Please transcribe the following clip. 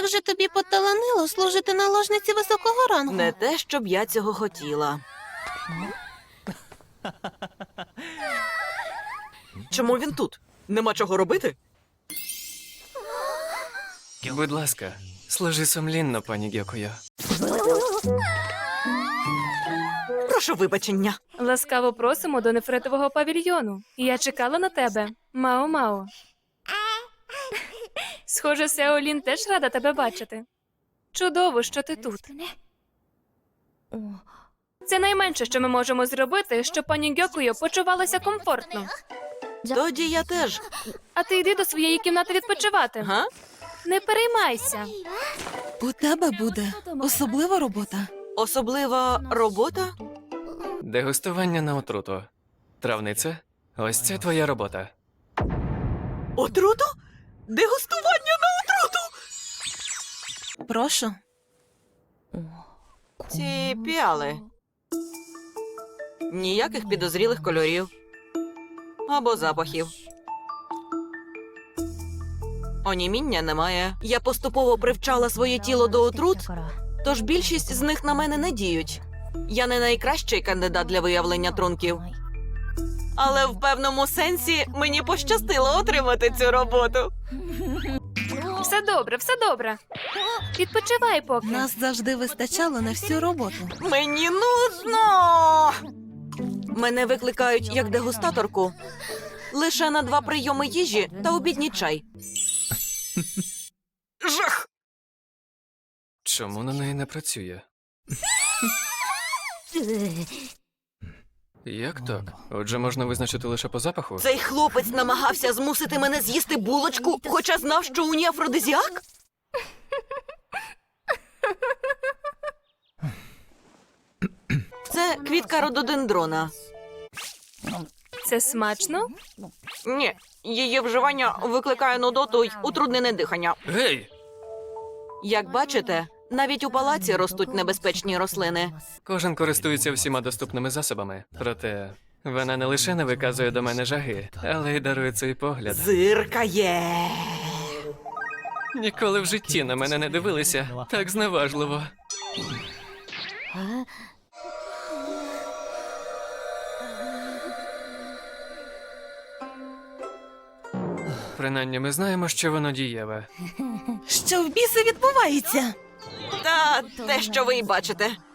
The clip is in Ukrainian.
Схоже, тобі поталанило служити наложниці високого рангу. Не те, щоб я цього хотіла. Чому він тут? Нема чого робити? Будь ласка, служи сумлінно, пані Гьокуйо. Прошу вибачення. Ласкаво просимо до нефритового павільйону. Я чекала на тебе. Мао-мао. Схоже, Сеолін теж рада тебе бачити. Чудово, що ти тут. Це найменше, що ми можемо зробити, щоб пані Гьокуйо почувалася комфортно. Тоді я теж. А ти йди до своєї кімнати відпочивати. Га? Не переймайся. У тебе буде особлива робота. Особлива робота? Дегустування на отруту. Травниця, ось це твоя робота. Отруту? Дегустування на отруту? Прошу. Ці піали. Ніяких підозрілих кольорів. Або запахів. Оніміння немає. Я поступово привчала своє тіло до отрут, тож більшість з них на мене не діють. Я не найкращий кандидат для виявлення трунків. Але в певному сенсі мені пощастило отримати цю роботу. Все добре, все добре. Відпочивай поки. Нас завжди вистачало на всю роботу. Мені нудно! Мене викликають як дегустаторку. Лише на 2 прийоми їжі та обідній чай. Жах! Чому на неї не працює? Як так? Отже, можна визначити лише по запаху? Цей хлопець намагався змусити мене з'їсти булочку, хоча знав, що у ній афродизіак? Це квітка рододендрона. Це смачно? Ні, її вживання викликає нудоту й утруднене дихання. Гей! Як бачите, навіть у палаці ростуть небезпечні рослини. Кожен користується всіма доступними засобами. Проте вона не лише не виказує до мене жаги, але й дарує цей погляд. Зиркає. Ніколи в житті на мене не дивилися так зневажливо. Принаймні, ми знаємо, що воно дієве. Що в біси відбувається? Та те, що ви й бачите.